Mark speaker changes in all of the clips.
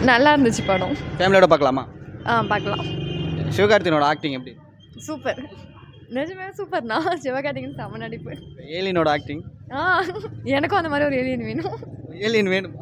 Speaker 1: நல்லா இருந்துச்சு படம்.
Speaker 2: ஃபேமிலியோட பார்க்கலாமா?
Speaker 1: பார்க்கலாம்.
Speaker 2: சிவகார்த்திகேயனோட ஆக்டிங் எப்படி?
Speaker 1: சூப்பர். நிஜமே சூப்பர்ண்ணா. சிவகார்த்திகேயன் செம நடிப்பு.
Speaker 2: ஏலியனோட ஆக்டிங்?
Speaker 1: எனக்கும் அந்த மாதிரி ஒரு ஏலியன் வேணும்.
Speaker 2: ஏலியன் வேணும்.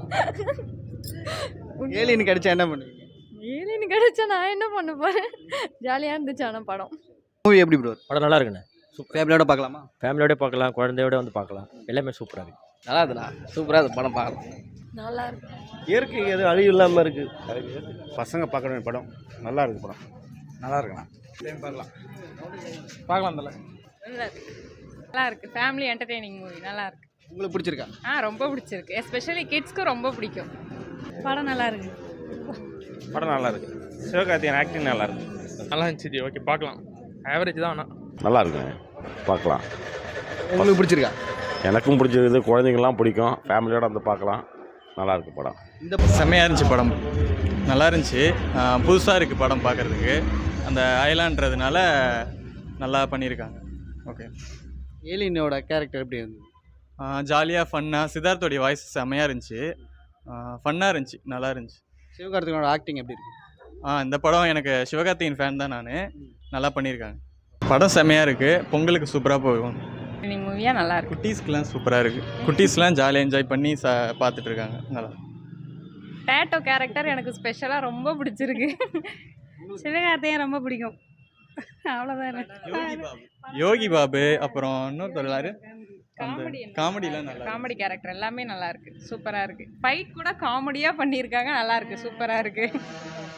Speaker 2: ஏலியன் கிடைச்சா என்ன பண்ணுவீங்க?
Speaker 1: ஏலியன் கிடைச்சா நான் என்ன பண்ண போகிறேன்? ஜாலியாக இருந்துச்சு ஆனால் படம்.
Speaker 2: மூவி எப்படி ப்ரோ?
Speaker 3: படம் நல்லா இருக்குண்ணே.
Speaker 2: ஃபேமிலியோட பார்க்கலாமா?
Speaker 3: ஃபேமிலியோட பார்க்கலாம், குழந்தையோட வந்து பார்க்கலாம். எல்லாமே சூப்பராக இருக்குது.
Speaker 4: நல்லா இருக்குண்ணா, சூப்பராக இருக்குது படம் பார்க்கலாம்.
Speaker 1: நல்லா இருக்கு.
Speaker 5: இயற்கை எது அழிவு இல்லாமல் இருக்குது.
Speaker 6: பசங்க பார்க்க வேண்டிய படம். நல்லா இருக்குது படம். நல்லா இருக்குண்ணா. பார்க்கலாம் பார்க்கலாம்.
Speaker 7: நல்லா இருக்கு. நல்லா இருக்கு. ஃபேமிலி என்டர்டெய்னிங் மூவி நல்லா இருக்கு.
Speaker 2: உங்களுக்கு பிடிச்சிருக்கா?
Speaker 7: ரொம்ப பிடிச்சிருக்கு. எஸ்பெஷலி கிட்ஸ்க்கு ரொம்ப பிடிக்கும்.
Speaker 1: படம் நல்லா இருக்கு.
Speaker 6: படம் நல்லா இருக்கு. சிவகார்த்திகேயன் ஆக்டிங் நல்லா இருக்கு.
Speaker 8: நல்லா இருந்துச்சு. ஓகே பார்க்கலாம். ஆவரேஜ் தான் ஆனால்
Speaker 5: நல்லா இருக்குங்க, பார்க்கலாம்.
Speaker 2: உங்களுக்கு பிடிச்சிருக்கா?
Speaker 5: எனக்கும் பிடிச்சது, குழந்தைங்கள்லாம் பிடிக்கும். ஃபேமிலியோட வந்து பார்க்கலாம். நல்லா இருக்கு படம்.
Speaker 2: இந்த
Speaker 9: செம்மையாக இருந்துச்சு படம். நல்லா இருந்துச்சு. புதுசாக இருக்குது படம் பார்க்குறதுக்கு. அந்த ஐலான்றதுனால நல்லா பண்ணியிருக்காங்க. ஓகே.
Speaker 2: ஏலியனோட கேரக்டர் எப்படி இருந்தது?
Speaker 9: ஜாலியாக ஃபன்னாக, சித்தார்த்தோடைய வாய்ஸ் செம்மையாக இருந்துச்சு. ஃபன்னாக இருந்துச்சு, நல்லா இருந்துச்சு.
Speaker 2: சிவகார்த்திகேயனோட ஆக்டிங் எப்படி இருக்கு?
Speaker 9: இந்த படம் எனக்கு சிவகார்த்திகேயன் ஃபேன் தான் நான். நல்லா பண்ணியிருக்காங்க. படம் செம்மையாக இருக்குது. பொங்கலுக்கு சூப்பராக போகும்.
Speaker 7: மூவியாக நல்லா இருக்கு.
Speaker 9: குட்டீஸ்க்கெலாம் சூப்பராக இருக்குது. குட்டீஸ்லாம் ஜாலியாக என்ஜாய் பண்ணி பார்த்துட்டு இருக்காங்க. நல்லா.
Speaker 7: டேட்டோ கேரக்டர் எனக்கு ஸ்பெஷலாக ரொம்ப பிடிச்சிருக்கு.
Speaker 1: சிவகார்த்திகேயன் ரொம்ப பிடிக்கும். அவ்வளோதான்.
Speaker 9: யோகி பாபு, அப்புறம் இன்னொருத்தர் யாரு? காமெடிலாம் நல்லா.
Speaker 7: காமெடி கேரக்டர் எல்லாமே நல்லா இருக்கு. சூப்பராக இருக்கு. ஃபைட் கூட காமெடியாக பண்ணியிருக்காங்க. நல்லா இருக்கு. சூப்பராக இருக்கு.